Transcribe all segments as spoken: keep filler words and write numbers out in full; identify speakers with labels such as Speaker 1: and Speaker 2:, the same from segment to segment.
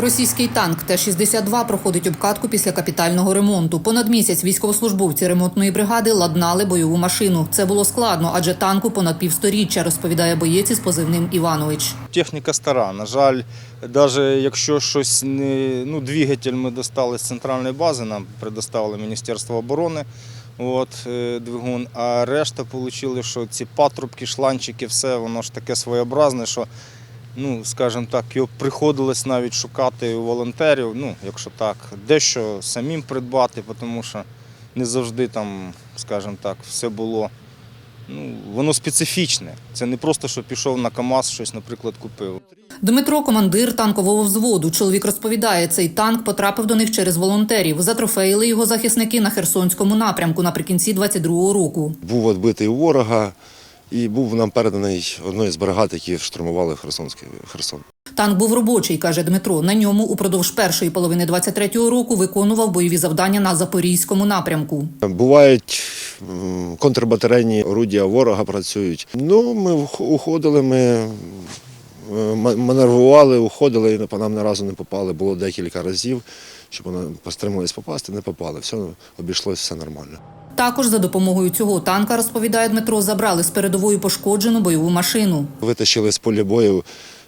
Speaker 1: Російський танк Т шістдесят два проходить обкатку після капітального ремонту. Понад місяць військовослужбовці ремонтної бригади ладнали бойову машину. Це було складно, адже танку понад півсторіччя, розповідає боєць із позивним Іванович.
Speaker 2: Техніка стара. На жаль, навіть якщо щось не, ну, двигатель ми достали з центральної бази, нам предоставили Міністерство оборони, от, двигун, а решта отримали, що ці патрубки, шланчики, все, воно ж таке своєобразне, що, ну, скажімо так, його приходилось навіть шукати у волонтерів, ну, якщо так, дещо самим придбати, тому що не завжди там, скажімо так, все було, ну, воно специфічне. Це не просто, що пішов на КАМАЗ, щось, наприклад, купив.
Speaker 1: Дмитро – командир танкового взводу. Чоловік розповідає, цей танк потрапив до них через волонтерів. Затрофеїли його захисники на Херсонському напрямку наприкінці двадцять другого року.
Speaker 3: Був відбитий у ворога і був нам переданий одною з бригад, які штурмували Херсонський Херсон.
Speaker 1: Танк був робочий, каже Дмитро. На ньому упродовж першої половини двадцять третього року виконував бойові завдання на Запорізькому напрямку.
Speaker 3: Бувають контрбатарейні орудія ворога працюють. Ну, ми уходили, ми маневрували, уходили, і по нам ні разу не попали. Було декілька разів, щоб вони постримались попасти, не попали. Все обійшлося, все нормально.
Speaker 1: Також за допомогою цього танка, розповідає Дмитро, забрали з передової пошкоджену бойову машину.
Speaker 3: Витащили з поля бою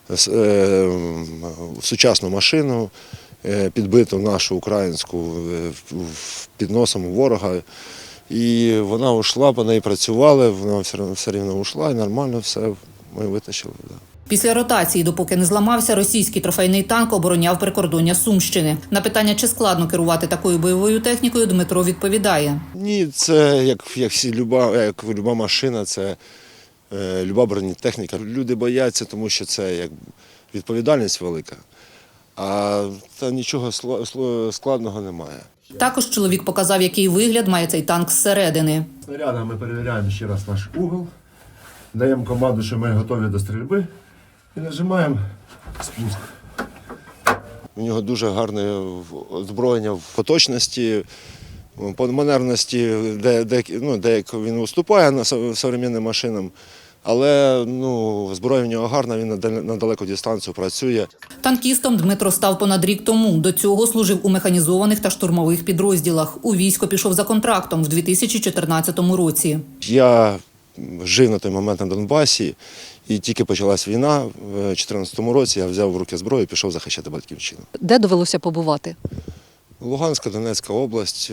Speaker 3: сучасну машину, підбиту нашу українську під носом у ворога. І вона ушла, по неї працювали, вона все рівно ушла і нормально все ми витащили.
Speaker 1: Після ротації, допоки не зламався, російський трофейний танк обороняв прикордоння Сумщини. На питання, чи складно керувати такою бойовою технікою, Дмитро відповідає.
Speaker 3: Ні, це як, як, всі, люба, як люба машина, це е, люба бронетехніка. Люди бояться, тому що це як відповідальність велика, а та нічого складного немає.
Speaker 1: Також чоловік показав, який вигляд має цей танк зсередини.
Speaker 4: Снарядами ми перевіряємо ще раз наш угол, даємо команду, що ми готові до стрільби і нажимаємо спуск.
Speaker 3: У нього дуже гарне озброєння в точності, по манерності, де, де, ну, де він уступає на сучасним машинам. Але ну, зброя в нього гарна, він на далеку дистанцію працює.
Speaker 1: Танкістом Дмитро став понад рік тому. До цього служив у механізованих та штурмових підрозділах. У військо пішов за контрактом в дві тисячі чотирнадцятому році.
Speaker 3: Я жив на той момент на Донбасі, і тільки почалась війна. В дві тисячі чотирнадцятому році я взяв в руки зброю і пішов захищати батьківщину.
Speaker 5: Де довелося побувати?
Speaker 3: Луганська, Донецька область,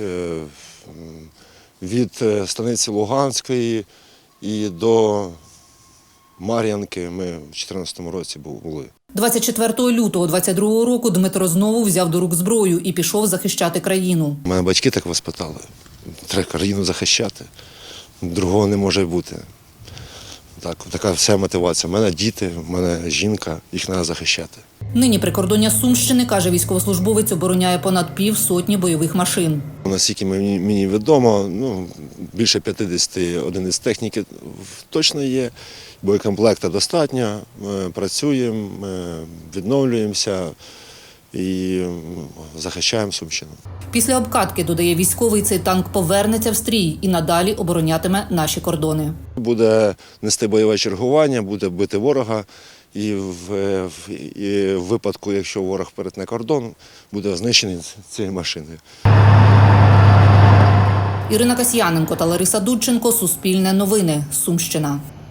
Speaker 3: від станиці Луганської і до Мар'янки ми в дві тисячі чотирнадцятому році були.
Speaker 1: двадцять четвертого лютого двадцять другого року Дмитро знову взяв до рук зброю і пішов захищати країну.
Speaker 3: Мене батьки так воспитали. Треба країну захищати. Другого не може бути. Так, така вся мотивація. У мене діти, у мене жінка, їх треба захищати.
Speaker 1: Нині прикордоння Сумщини, каже військовослужбовець, обороняє понад пів сотні бойових машин.
Speaker 3: Наскільки мені, мені відомо, ну, більше п'ятдесят одиниць техніки точно є, боєкомплекта достатньо, ми працюємо, ми відновлюємося і захищаємо Сумщину.
Speaker 1: Після обкатки, додає військовий, цей танк повернеться в стрій і надалі оборонятиме наші кордони.
Speaker 3: Буде нести бойове чергування, буде бити ворога. І в, в, і в випадку, якщо ворог перетне кордон, буде знищений цією машиною.
Speaker 1: Ірина Касьяненко та Лариса Дудченко. Суспільне новини. Сумщина.